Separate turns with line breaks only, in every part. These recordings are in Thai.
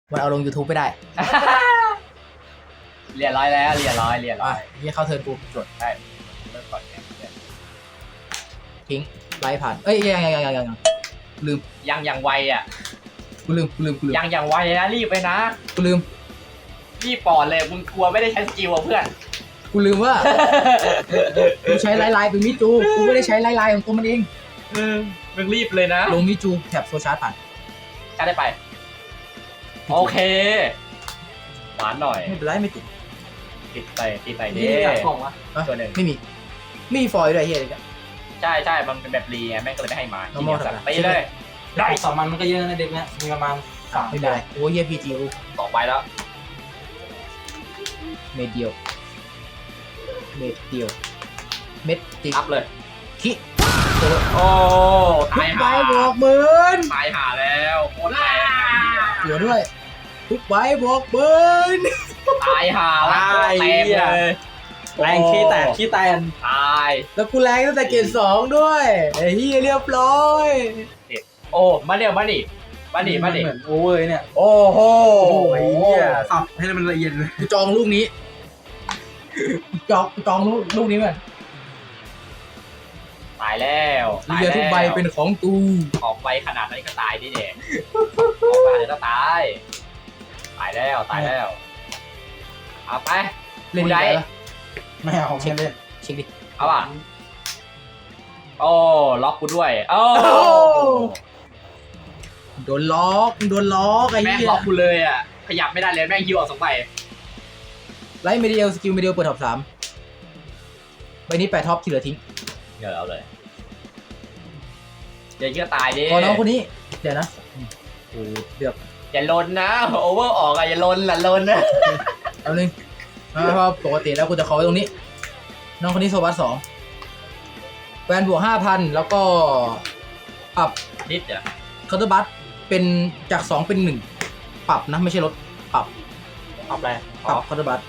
มันเอาลง YouTube ไม่ได้
เรียบร้อยแล้วเรียบร้อย
นี่เข้าเทิร์นกูจด
ได้เริ่มก่อนเนี่ย
ทิ้งไล่ผ่านเอ้ยยังลืม
ยังไวอ่ะ
กูลืม
ยังไวนะรีบไปนะ
กูลืม
รีบปอดเลยมึงกลัวไม่ได้ใช้สกิลอ่ะเพื่อน
กูลืมว่ากูใช้ไลน์เป็นมิจูกูไม่ได้ใช้ไลน์ของตัวมันเอง
มึงรีบเลยนะ
ลงมิจูแถบโซชาร์จผ่าน
จะได้ไปโอเคหวานหน่อย
ไม่เป็นไรไม่ติด
ติดไป
นี่
เด้
อยากส่งวะ
ตัวหนึ่ง
ไม่มีฟอยล์ด้วยเฮียเลย
ใช่มันเป็นแบบรีไงแม่งก็เลยไม่ให้มา
normal
สัตว์
ธรรมดา
ไปเลย
ได้สองมันก็เยอะนะเด็กเนี้ยมีประมาณ3
ไม่เป็นไรโอ้เฮียพีจีกู
ต่อไปแล้ว
เม็ดเดียวเม็ดติ๊ก
อัพเลย
คิ
โอ้
ทุ
ตาย
กใบ
หา
บอกเบิร์น
ตายหาแล้วโคตรแรง
เสือด้วยทุกใบบอกเบิร์น
ตายหาแล้วโคตรแรงเลย
แรงขี้แตก
ตาย
แล้วกูแรงตั้งแต่เกรด2ด้วยไอ้เฮียเรียบร้อย
โอ้มาดิ
เหมือนโอเวอร์เนี่ย
โอ้โห
สับให้มันละเอียดเลย
กูจองลูกนี้จองลูกนี้มัน
ตายแล้ว
เรือทุกใบเป็นของกู
ออกใบขนาดนั้นก็ตายดิเด็กออกมาก็ตายแล้วเอาไป
เล่น
ได้
ได้ปะ
ไม่เอาไม่เล่น
เช็คดิ
เอาป่ะโอ้ล็อกกูด้วยโอ้
โดนล็อกไอ้
แม่ง
เหี้ย
ล็อกกูเลยอ่ะขยับไม่ได้เลยแม่งฮิวออก2 ใบ
ไลท์เมดิเอลสกิลเมดิเอลเปิดท็อป3ใบนี้8ท็อปที่เหลือทิ้ง
เดี๋ยวเอาเลยเดี๋ยวก็ตายดิ
พอน้องคนนี้เดี๋ยวนะโอ้เดือบ
อย่าลนนะโอเวอร์ออกอะอย่าลนละลนนะ
เอาหนึ่งเพราะปกติแล้วกูจะขอไว้ตรงนี้ น้องคนนี้โซบัส2แวนบวก 5,000 แล้วก็ปรับ
นิดเดียว
เคาน์เตอร์บัสเป็นจาก2เป็น1ปรับนะไม่ใช่ลดปรับ
อะไร
ปรับเคาน์เตอร์บัส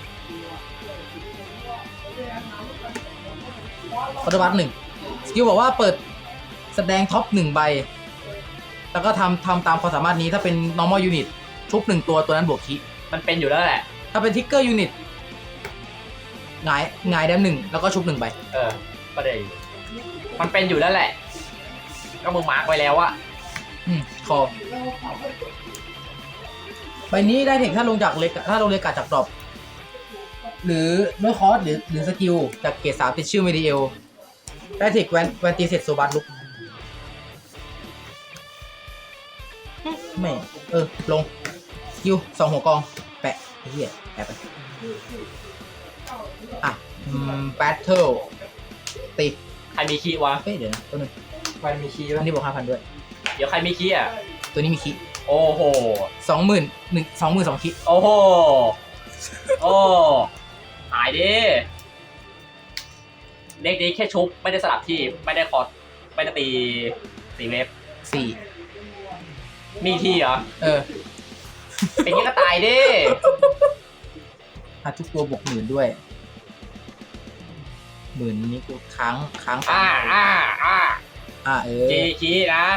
เคาน์เตอร์บัส1สกิลบอกว่าเปิดแสดงท็อป1ใบแล้วก็ทำตามความสามารถนี้ถ้าเป็น normal unit ชุบ1ตัวนั้นบวกคี
มันเป็นอยู่แล้วแหละ
ถ้าเป็นทิกเกอร์ยูนิตหงายแดม1แล้วก็ชุบ1ใบ
ก็ได้มันเป็นอยู่แล้วแหละ ก็มึงมาร์กไว้แล้วอะ
คอใบนี้ได้เทคถ้าลงจากเล็กถ้าลงเล็กกัดจากดรอปหรือด้วยคอร์สหรือสกิลจากเกรด3ติดชื่อเมดิเอลได้เทคแวนตีเสร็จโซบัสลุกไม่ลงสกิล2 หัวกองแปะไอ้เหี้ยแปะไปแบทเทิลตี
ใครมีคีย์วะ
เดี๋ยวนะตัวนึง
วันมีคีย์
อันนี้บวก 5,000 ด้วย
เดี๋ยวใครมีคีย์อะ
ตัวนี้มีคิ
โอ้โห
20,000 2คิ
โอ้โห โอ้หายดิเด็กนี้แค่ชุบไม่ได้สลับที่ไม่ได้คอร์สไม่ได้ตีเวฟ
4
มีที่เหรอ เป็นงี้ก็ตายดิ
ทุกตัวบวก10,000ด้วย10,000นี้กูค้าง
จีคีย์นะ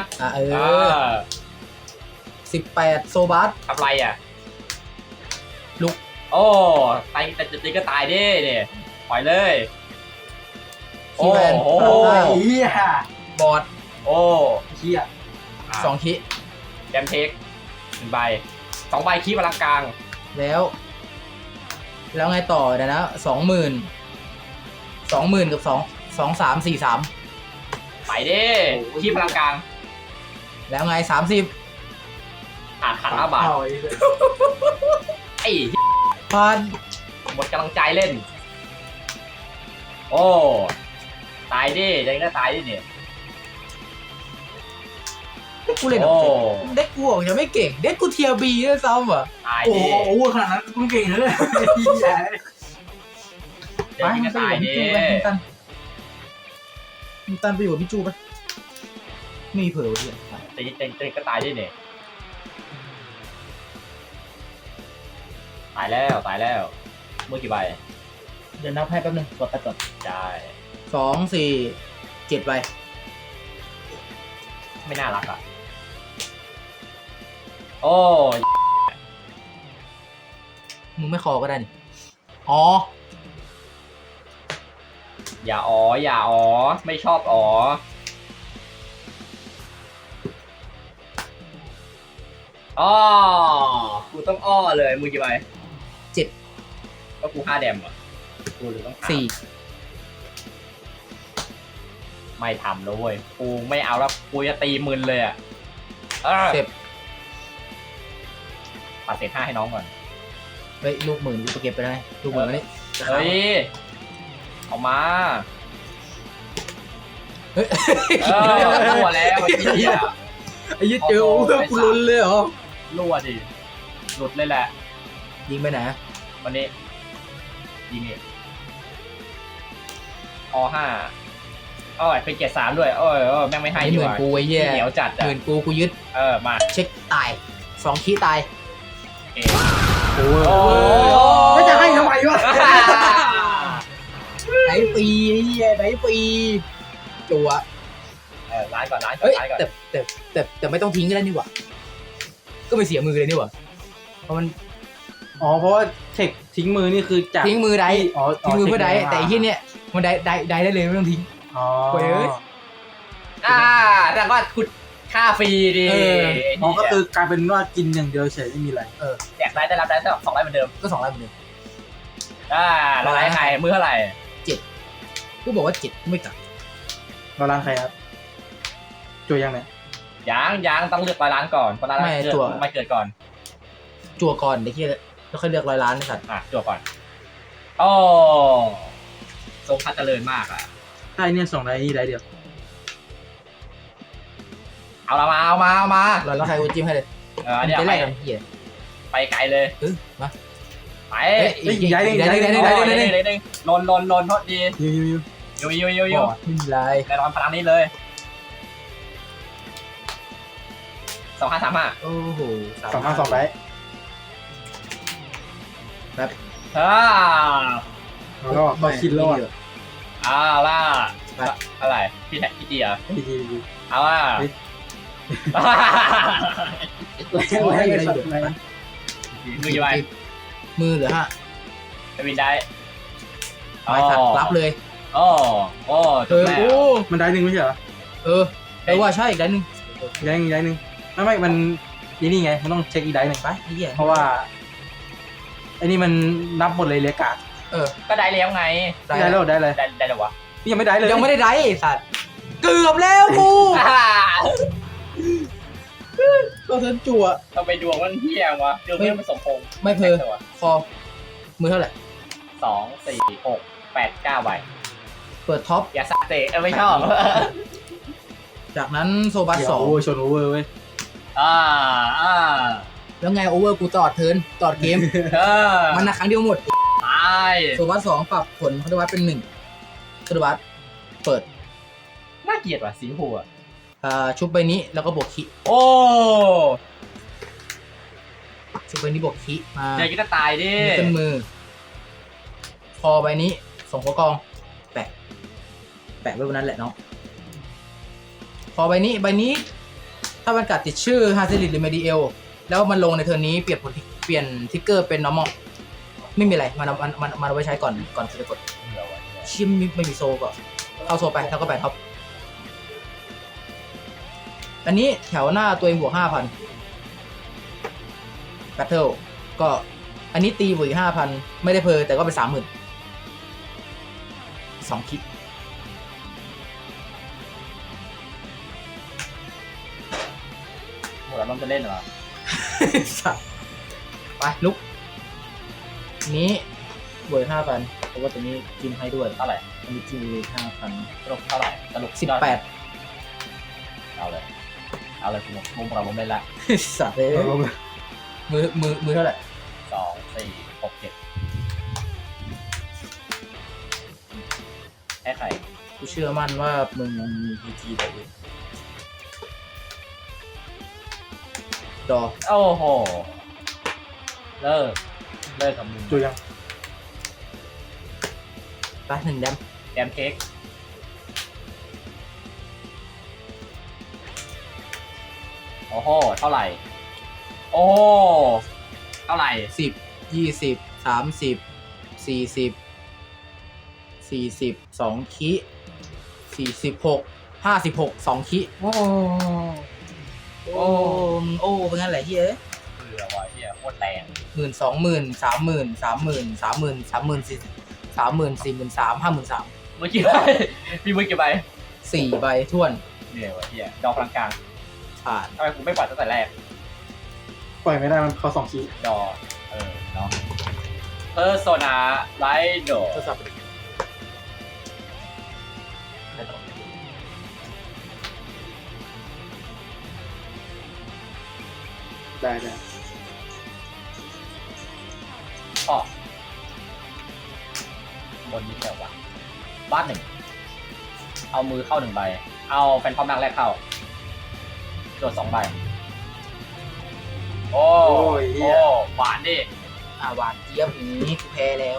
18โซบัส
ทำไรอ่ะ
ลุก
โอ้ตายแต่ตีก็ตายดิเนี่ยปล่อยเลย
คีแวน
โอ้
โอ้ยเฮีย
บอร์ด
โอ้
เฮีย
2 คิ
แดมเทค1 ใบ 2 ใบคีย์พลังกลาง
แล้วไงต่อเดี๋ยวนะ20,000กับ2343
ไปดิคีย์พลังกลาง
แล้วไง30
ขาด5 บาทไอ้
พัน
หมดกำลังใจเล่น โอ้ตายดิยังก็ตายดิเนี่ย
กูเล่นเด็กกูบอกยังไม่เก่งเด็กกูเทียบีด้วยซ้ำอ่ะ
ตาย
โอ้
ดิ
โหขนาดนั้นมึงเก่งเลยเฮีย
ยังก็ตายดิ
มึงตันไปอยู่มิจูไปไม่มีเผลอเลย
ตีก็ตายดิเนี่ยตายแล้วมือกี่ใบ
เดี๋ยวนับให้แป๊บนึงกดไปก่อน
ได้
2 4 7ใบ
ไม่น่ารักอ่ะ โอ้
มึงไม่คอก็ได้นี่อ๋อ
อย่าอ๋ออย่าอ๋อไม่ชอบอ๋ออ้อกูต้องอ้อเลยมึงกี่ใบ
7
ก็กู5 แดมอ่ะกูหรือต้อง
4
ไม่ทำแล้วเว้ยกูไม่เอาแล้วกูจะตีมึนเลยอ่ะ
เจ็บ
ปัดเศษ5ให้น้องก่อน
เฮ้ยลูกหมื่นกูเก็บไปได้ลูกหมื่นมานี่
เฮ้ยเอามา
เฮ้ย
รั่วแล้วไอ้เหี้ย
ไอ้ยี่เจอโอ้โหกูลุ้นเลยเหรอ
รั่วดิหลุดเลยแหละ
ยิงไปไหน
วันนี้ยิงนี่5อ้อยเป็นเกียร์3ด้วยแม่งไม่ให้
ไอ้
ดี
หมื่
ก
น
ว่า
กูไอ้เหี้ย
เหนียวจัด
ห
อ่ะ
มื่นกูยึด
มา
เช็คตาย2 คีย์ตาย
เอ
โอ้
โอ้
แล้วจะให้ทำไมวะ
ไหนปีไอ้เหี้ยไหนปีจัว
ร้านก่อนร้านก่อน
เฮ้ย
ร้านก่อน
แต่ไม่ต้องทิ้งก็ได้นี่หว่าก็ไม่เสียมือเลยนี่หว่าเพราะมัน
อ๋อเพราะว่าเทคทิ้งมือนี่คือจาก
ทิ้งมือได้
อ๋อ
ทิ้งมือเพื่อได้แต่ไอ้ที่เนี่ยมันได้เลยไม่ต้องทิ้ง
อ๋อ
เว้ย
แต่ว่าคุณค่าฟรีดิ
อ๋อก็คือกลายเป็นว่ากินอย่างเดียวเฉยไม่มีอะไร
แจกได้รับได้2 ไลน์เหมือนเดิม
ก็2 ไลน์เหมือนเดิม
แล้วไลน์ใครมือเท่าไหร่
กูบอกว่า7ไม่กลับ
เราล้างใครครับตัวยังไง
ยังต้องเลือกร้านก่อนเพราะร้านไม่เกิดก่อน
จัวก่อนไอ้ที่แล้วค่อยเลือก100 ล้านนะสัตว์
จั่วก่อนโอ้ทรงพัฒเจริญมากอ่ะ
ใช่เนี่ยส่งได้นี่ได้เดียว
เอามา
แล้วใครกูจิ้มให้เลย
อันนี้
จะ
ไป
แรกกันเหี้ย
ไปไกลเลย
มา
ไป
ย้ายหนึ่ง
ได้
ลนโทษดี
ยู
ยู
ไม่มีไร
แน่นอนพลังนี้เลย2535
โอ้โห
2 5 2 ได้แล้วก็คิดแล้วอ่ะ
ล่ะอะไรพี่แท็กพี่เจีย
ดี
เอาล่ะ มือกี่ใบ
มือเหลือ5
จะวินได้
ไปสัตว์รับเลย
โอ้จบแล้ว
โอ้
มันได้หนึ่งไม่ใช่เหรอ
ว่าใช่อีกได้นึง
ย้ายหนึ่งไม่มันนี่ไงมันต้องเช็คอีกได้หนึ่ง
ไปไอ้เหี้ย
เพราะว่าไอ้นี่มันนับหมดเลยเลยกาด
ก็ได้แล้วไง
ได้แล้วได้เลย
ได้แล้ววะ
ยังไม่ได้เลย
ยังไม่ได้ได้สัตว์เกือบแล้วกูก็เทินจั่ว
ทำไมดวงมันเที่ยงวะดวงไม่สมพงษ์
ไม่เพอคอมือเท่าไหร่
2 4 6 8 9ใบ
เปิดท็อป
อย่าสะเตะไม่ชอบ
จากนั้นโซบัส
โอ้ชนโอเวอร์เว้ย
แล้วไงโอเวอร์กูตลอดเทิร์นตลอดเกม มันนะครั้งเดียวหมด
ตาย
โซบัส2ปรับผลคาร์ดวัตเป็น1คาร์ดวัตเปิด
น่าเกลียดว่ะสีหัว
ชุบใบนี้แล้วก็บวกคิ
โอ้
ชุบใบนี้บวกคิมา
เจอกินตายดิ
ขึ้นมือคอใบนี้ส่งหัวกองแปะไว้บนนั้นแหละเนาะคอใบนี้ถ้ามันกัดติดชื่อฮาซิลิตหรือเมดิเอลแล้วมันลงในเทอร์นนี้เปลี่ยนทิกเกอร์เป็น normal ไม่มีอะไรมันเอาไว้ใช้ก่อนจะกดชิมไม่มีโซก็เข้าโซไปแล้วก็ไปท็อปอันนี้แถวหน้าตัวเองบวก 5,000 แบทเทิลก็อันนี้ตีบวกอีก 5,000 ไม่ได้เพอแต่ก็เป็น 30,000 2 คิด
หมดแล้วมันจะเล่นเหรอ
ไปลุกนี้บวก 5,000 เพราะว่าตัวนี้กินให้ด้วย
เท่าไหร่
อันนี้กินเลย 5,000
สรุปเท่าไหร่สรุป
18
เอาเลยมุมเราเล่นละ
สัตว์เลยมือเท่าไหร่
2 4 6 7แค่ใคร
กูเชื่อมั่นว่ามึงยังมีพีจีแต่อยู่ดอ
โอ้โหเลิกกับมึง
ตัวยัง
ไป1 แดม
แดมเค้กโอ้โหเท่าไหร่โอ้เท่าไหร่
10 20 30 40 2คิ46 56 2คิโอ้เป็นงั้นแหละเฮ้ย
เบื่อว่ะเฮียโคตรแรง
10,000 20,000 30,000 30,000 30,000 50,000
มือกี่ใบมีมือกี่ใบ
4 ใบท้วน
เหนื่อยว่ะเฮียดอกพลังกลาง
ผ่าน
ทำไมกูไม่ปล่อยตั้งแต่แรก
ปล่อยไม่ได้มันเขา2 คีย์
ดอเนาะเพอร์โซนาไลโด
ทดสอบไปดิ
ได้
อ๋บนนี้แค่วะบ้านหนึ่งเอามือเข้า1 ใบเอาแฟนพอมนางแรกเข้าโดด2 ใบโอ้หวานดิ
หวานเจี๊ยบอย่างนี้กูแพ้แล้ว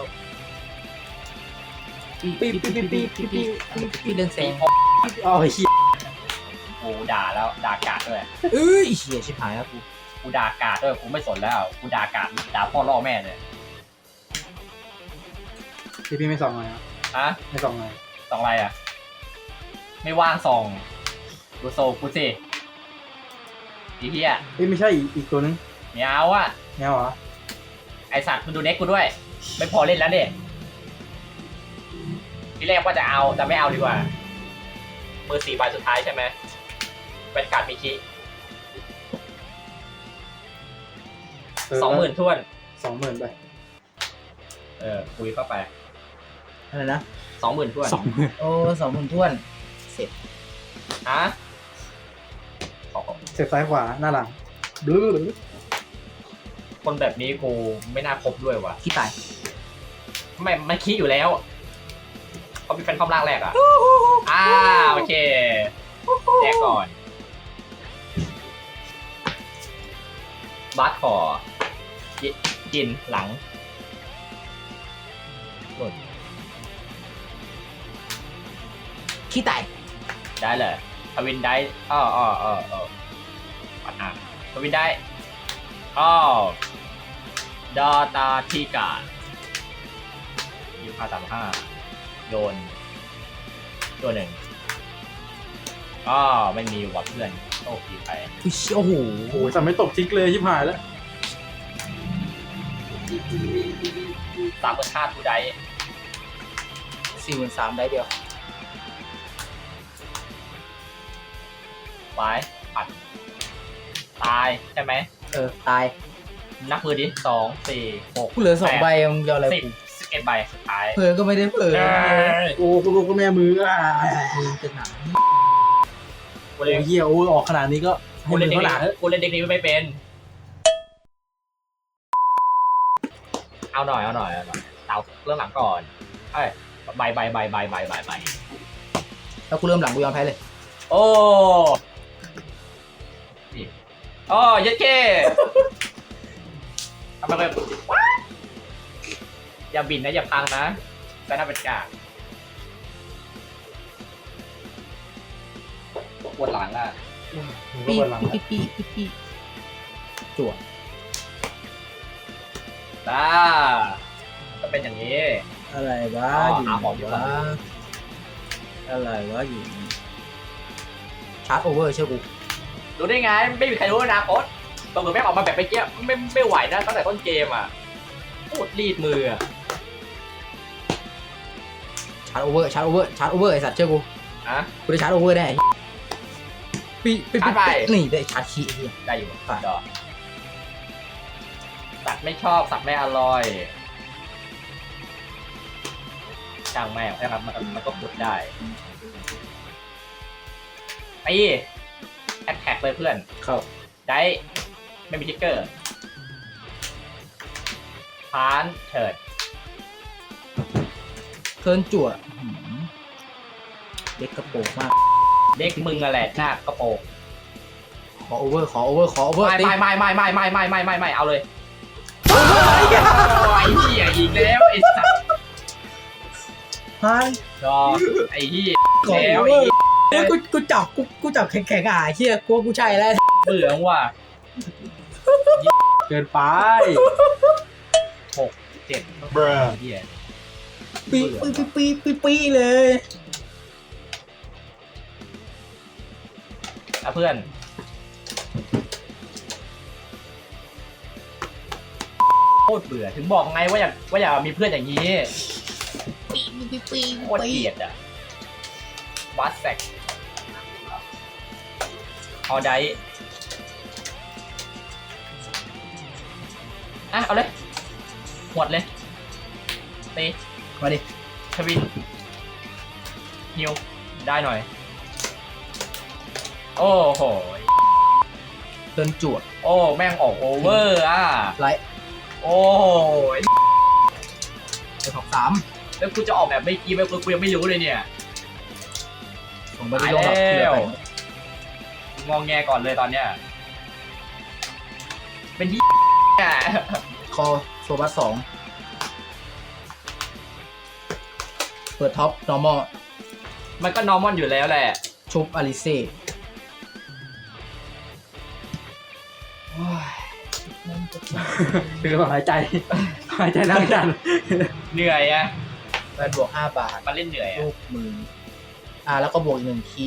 พี่เรื่องแซง
อ๋อเฮีย
กูด่าแล้วด่ากาดด้วย
เอ้ยเหี้ยชิบหายแล้วกู
กูด่ากาดด้วยกูไม่สนแล้วกูด่ากาดด่าพ่อล่อแม่เลย
พี่ไม่ส่องเลยนะ
อะ
ไม่ส่องเลย
2 อะไรอ่ะ ไม่ว่างส่องดูโซกูสิอีเหี้ย
ไม่ใช่อีกตัวนึง
ไม่เอาอ่ะ
แนวเหรอ
ไอสัตว์มึงดูเน็กกูด้วย ไม่พอเล่นแล้วเด็ทีแรกว่าจะเอาแต่ไม่เอาดีกว่ามือ4 ใบสุดท้ายใช่ไหมเป็นการ์ดมิคิ20,000ท้วน
20,000ไป
คุยเข้าไป
อะไรนะ
20,000ท้วน
20,000
โอ้20,000ท้วนเสร็จ
ฮะ
เสียบซ้ายขวาหน้าหลังดู
คนแบบนี้กูไม่น่าคบด้วยว่ะ
ขี้ตาย
ไม่มันคิดอยู่แล้วเขาเป็นแฟนคอมร่างแรกอ่ะโอเคแจกก่อนบัสขอกินหลังหล่น
ขี้ตาย
ได้เลยทวินได้ปัดอ่ะทวินได้ดอตาทีกา2535โยนตัวหนึ่งไม่มีวัดเพื่อนโอ้ดีไป
โอ้โห
โอ้ยจะไม่ตกทิกเลยชิบหายแล้ว
35ทูได้
43,000ได้เดียว
ไว้ปัดตายใช่ไหม
ตาย
นับมือดิ2 4 6
กูเหลือ2 ใบมึงจะเอาอะไรกู
11 ใบสุดท้าย
เผลอก็ไม่ได้เผลอ
โอ้คุณลูกคุณแม่มือ
มึงจะหนา
กู
โอ้
เล่น
เฮียโอ้ออกขนาดนี้ก็ให้
กู
มื
เล่น
อ
เด็ก
เขาหนา
นี้กูเล่นเด็กนี้ไม่เป็นเอาหน่อยเตาเรื่องหลังก่อนใบ
แล้วกูเริ่มหลังกูยอมแพ้เลย
โอ้ยัดเก้ทำไมแบบอย่าบินนะอย่าพังนะแต่น่าเป็นกากปวดหลังอ่ะ
ปีจั่ว
ก็เป็นอย่างนี้
อะไรวะอยู่
หาหมออยู่
วะอะไรวะอยู่ชาร์จโอเวอร์เชื่อกู
รู้ได้ไงไม่มีใครรู้อนาคตตรงกับแม่งออกมาแบบไปเกี้ยไม่ไหวนะตั้งแต่ต้นเกมอ่ะโคตรรีดมืออ่ะ
ชาร์จโอเวอร์ไอสัตว์เชื่อกู กูได้ชาร์จโอเวอร์แน่นี่ได้ชาร์จขี้เฮีย
ได้อยู่ดอกสัตว์ไม่ชอบสัตว์ไม่อร่อยช่างแม่งนะครับมันก็ขุดได้แอคแท็กเลยเพื่อน
เข้า
ได้ไม่มีทิกเกอร์พานเถิด
เทิร์นจั่วเด็กกระโปงมาก
เด็กมึงอะไรหน้ากระโปรง
ขอโอเวอร์
ไม่เอาเลยไอ้เหี้ยอีกแล้วไอ้สัตว์
ฮะ
ดอไอ้เหี้ย
ขอ
แล้ว
โอเวอร์กูจับแข็งเชี่ยกูใช่แล้ว
เบื่อว่ะ
เกินไป
เหี้ย
ปีเลย
อ่ะเพื่อนโคตรเบื่อถึงบอกไงว่าอย่ามีเพื่อนอย่างนี้โคตรเกลียดอ่ะวัดแซกเอาได้อ่ะเอาเลยหวดเลยตี
มาดิ
ทวินฮิวได้หน่อยโอ้โห
เดินจวด
โอ้แม่งออกโอเวอร์อ่ะ
ไลท์
โอ้ย
เดี๋ยวสาม
แล้วกูจะออกแบบไม่กี้แบบกูยังไม่รู้เลยเนี่ย
ผมไม่ได้ลงหรอกที่เหลือไป
งองแงก่อนเลยตอนเนี้ยเป็นที่อ่ะ
คอโซบัสสองเปิดท็อป normal
มันก็นอร์มอนอยู่แล้วแหละ
ชุบอาริเซ่
คือหายใจนั่งจัน
เหนื่อยอ่ะ
แบนบวก5 บาท
มันเล่นเหนื่อยอ่ะ
ลูกมือแล้วก็บวกอีก1คีย์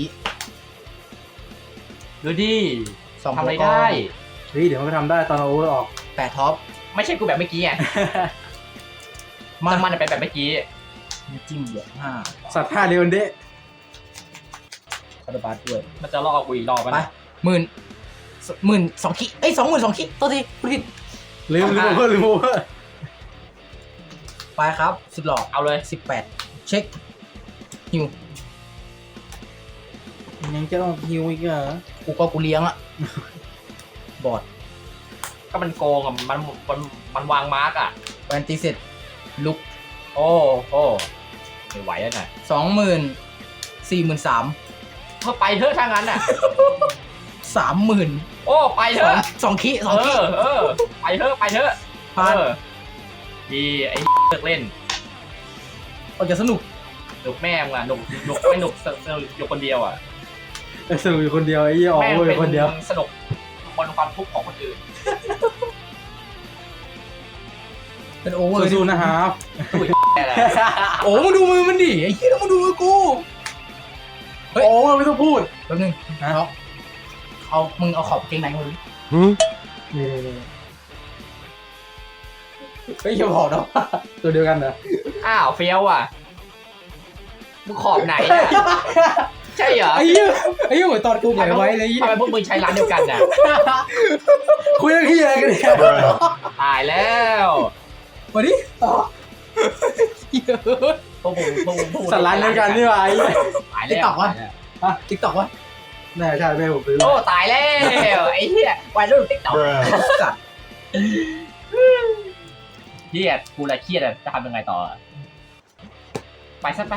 ดูดิ
สอง
ทำอะไร
หัวก
ได้
เฮ้ยเดี๋ยวมันไปทำได้ตอนเอาโอเวอร์ออก
8ท็อป
ไม่ใช่กูแบบเมื่อกี้ไงมันเป็นแบบเมื่อกี้
จิ้มบวก
สัตว์ท่าเดียวกันเด้
5คาร์บาสด้วย
มันจะลอกกูอีกรอบ
ไป
นะ
12,000 คีย์เอ้ย22,000 คีย์ตัวทีพูดผิด
ลืมโอเวอร์
ไปครับสุดหล่อ
เอาเลย
18 เช็คฮิว
ยังจะต้องฮิวอีกเหรอ
กูเลี้ยงอะบอร์ด
ก็มันโกงอ่ะมันวางมาร์กอ่ะ
แวนตีเสร็จลุก
โอ้ไม่ไหวแล้วน่ะ
20,000 43,000
ก็ไปเถอะถ้างั้นอ่ะ
30,000
โอ้ไปเถอะ
2 คีย์2 คีย์
ไปเถอะ
ผ่าน
ดีไอ้เลิกเล่น
ออกจะสนุก
หนุกแม่งอ่ะหนุกไม่หนุกอยู่คนเดียวอ่ะ
สนุกอยู่คนเดียวไอ้ยี่ออก
แม่ง
โอเวอร์อ
เป็
ยู่คนเดียวน
สนุกบนความทุกข์ของคนอื่น
เป็นโอเวอร์
สู้ๆนะครับ
แค่แหละ
โอ้มึงดูมือมันดิไอ้เหี้ยมึงดูมือกู เฮ้ย
โอ้ไม่ต้องพูด
แป๊บนึงมึงเอาขอบเกงในมาดูดิ
นี่
เฮ้ยอย่าบอกนะ
ตัวเดียวกันเหรอ
อ้าวเฟี้ยวอ่ะมึงขอบไหนอ่ะใช่เหรอ
ไอ้เหี้ยเหมือนตอนกูแหวนไว้เลย
ทำไมพวกมึงใช้ร้านเดียวกันน่ะ
คุยเรื่องที่อะไรกันเนี่ย
ตายแล้ว
มาดิต่อเหี้ย
พวกมึง
สัตว์ร้านเดียวกันนี่หว่าไอ้
ตายแล้ว
ติ๊กต็อกวะ
น่าใช่แม่ผมซื้อ
โอ้ตายแล้วไอ้เหี้ยวัยรุ่นติ๊กต็อก
สัตว์
เครียดกูละเครียดอ่ะจะทำยังไงต่อไปซะไป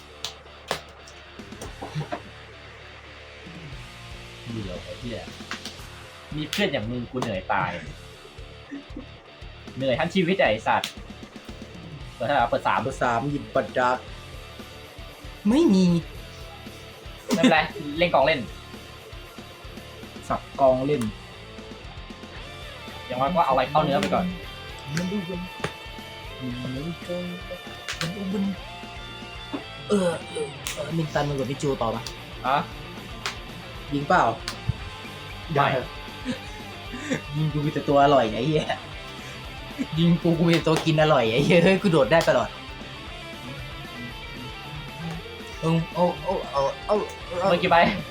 เดี๋ยวไอ้เหี้ยมีเพื่อนอย่างมึงกูเหนื่อยตายเหนื่อยทั้งชีวิตไอ้สัตว์เปิดเท่าไหร่เปิด3
เบอร์ 3หยิบบัตรดาร์กไม่มี
ไม่เป็นไรเล่นกองเล่น
สับกองเล่น
อย่างน้อยก็เอาอะไรเข้าเนื้อไปก่อน
มันดูมันมินตันมึงกับพี่จูต่อปะ
อะ
ยิงเปล่า
ได้
ยิงกูมีแต่ตัวอร่อยไอ้เหี้ยยิงกูมีแต่ตัวกินอร่อยไอ้เหี้ยเฮ้ยกูโดดได้ตลอดเอา
เมื่อกี้ไป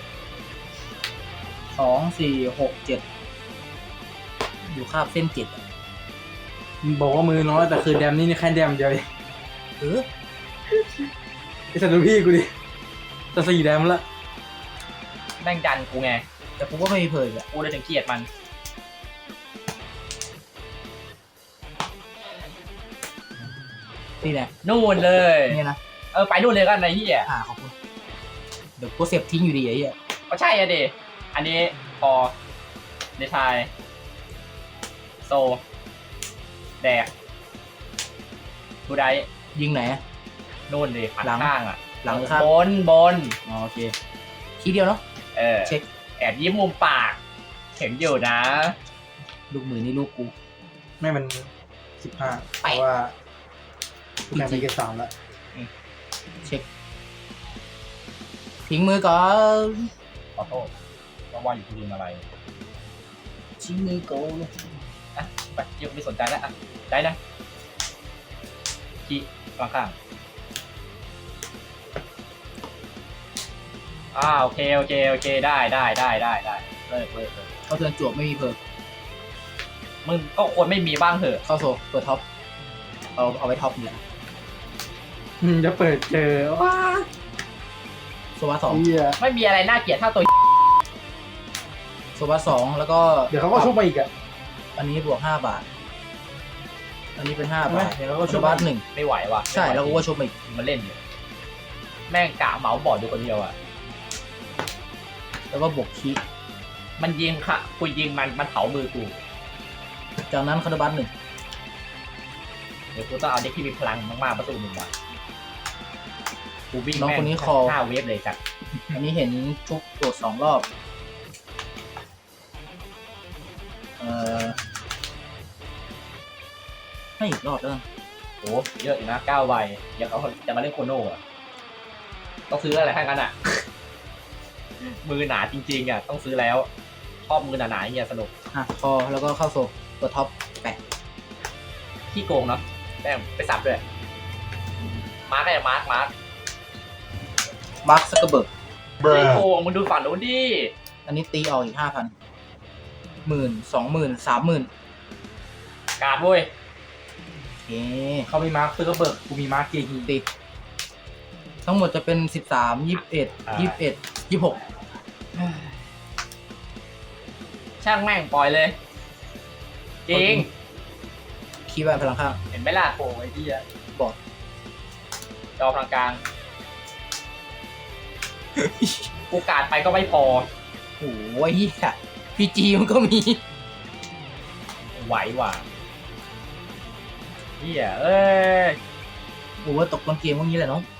2 4 6 7อยู่คาบเส้น7อะ
บอกว่ามือน้อยแต่คือแดมนี่แค่แดมเดียวเอง
เออ
ไอ้สัตว์ดูพี่กูดิจะ4แดมละ
แม่งดันกูไง
แต่กูก็ไม่มีเพยอ่ะ
กูเลยถึงเกลียดมัน
นี่แหละ
นู่นเลย
นี่นะ
ไปนู่นเลยกันไอ้เหี้ย
ขอบคุณเดี๋ยวกูเสียบทิ้งอยู่ดีไอ้เหี้ย
ก็ใช่อะดิอันนี้พอเดทายโซแดกดูได้
ยิงไหนอะ
นู่นเลยหัน
หลัง
ข้างอ่ะ
หลังหรือครับ
บน
อ๋อโอเคทีเดียวเนาะ เช็ค
แอบยิ้มมุมปากเห็นอยู่นะ
ลูกมือนี่ลูกกู
ไม่มัน15เพราะว่ากูแข่งไปเกรดสามแล้ว
เช็คทิ้งมือก่อน
ขอโทษว่าอยู่ที่ลืมอะไร
ทิ้งมือก่อน
อ่ะไปยังไม่สนใจแล้วอ่ะได้นะขี้ข้างๆโอเคได้เลิก
เขาเตือนจวบไม่มีเพิร์ก
มึงก็ควรไม่มีบ้างเถอะ
เข้าโซเปิดท็อปเอาไว้ท็อปนี่แหละ
จะเปิดเจอว้า
โซวาสอง
เหี้ย
ไม่มีอะไรน่าเกลียดเท่าตัว
โซวาสองแล้วก็
เดี๋ยวเขาก็ชุบมาอีกอ่ะ
อันนี้บวก5 บาท อันนี้เป็น5
ใช่ไหม
บาท
เดี๋ยวเขาก็
โซ
ชุบ
วา
มาอีก
หนึ่ง
ไม่ไหวว่ะ
ใช่แล้วกูก็ชุบมาอีก
มันเล่นอยู่แม่งกะเหมาบอร์ดอยู่คนเดียวอ่ะ
แล้วก็บวกคี
มันยิงค่ะกูยิงมันเผามือกู
จากนั้นคาร์บัสหนึ่ง
เดี๋ยวกูต้องเอาเด็กที่มีพลังมากๆมาสู้มึงว่ะกูวิ่ง
น้อง
แม่
คนนี้
ง
คอ
5 เวฟเลยจัด
อันนี้เห็นชุบตรวจ2 รอบให้อีกรอบแล้วกัน
โอ้เยอะอยู่นะ9 ใบอยากเอาจะมาเล่นโคโน่อะต้องซื้ออะไรให้กันอ่ะ มือหนาจริงๆอ่ะต้องซื้อแล้วชอบมือหนาๆอย่างเงี้ยสนุก
พอแล้วก็เข้าโซเปิดท็อปแปะ
ขี้โกงเนาะแม่งไปสับด้วยมาร์กไงมาร์ก
มาร์คซักเกอร์เบิร์ก
ขี้โกงมึงดูฝั่งนู้นดิ
อันนี้ตีออกอีก 5,000 10,000 20,000 30,000
การ์ดเว้ย
โอเค
เขามีมาร์คซื้อก็เบิกกูมีมาร์คเกฮี
ตีทั้งหมดจะเป็น13 21 21 26
ช่างแม่งปล่อยเลยจริง
คีย์แวนพลังข้าง
เห็นไหมล่ะ
โอ้ยที่อ่ะ
บอร์ด
จอพลังกลางกูการ์ดไปก็ไม่พอ
โอ้ยเหี้ยพีจีมันก็มี
ไหวว่ะเฮียเอ้ย
โอ้ว่าตกต้นเกมพวกนี้แหละน้อง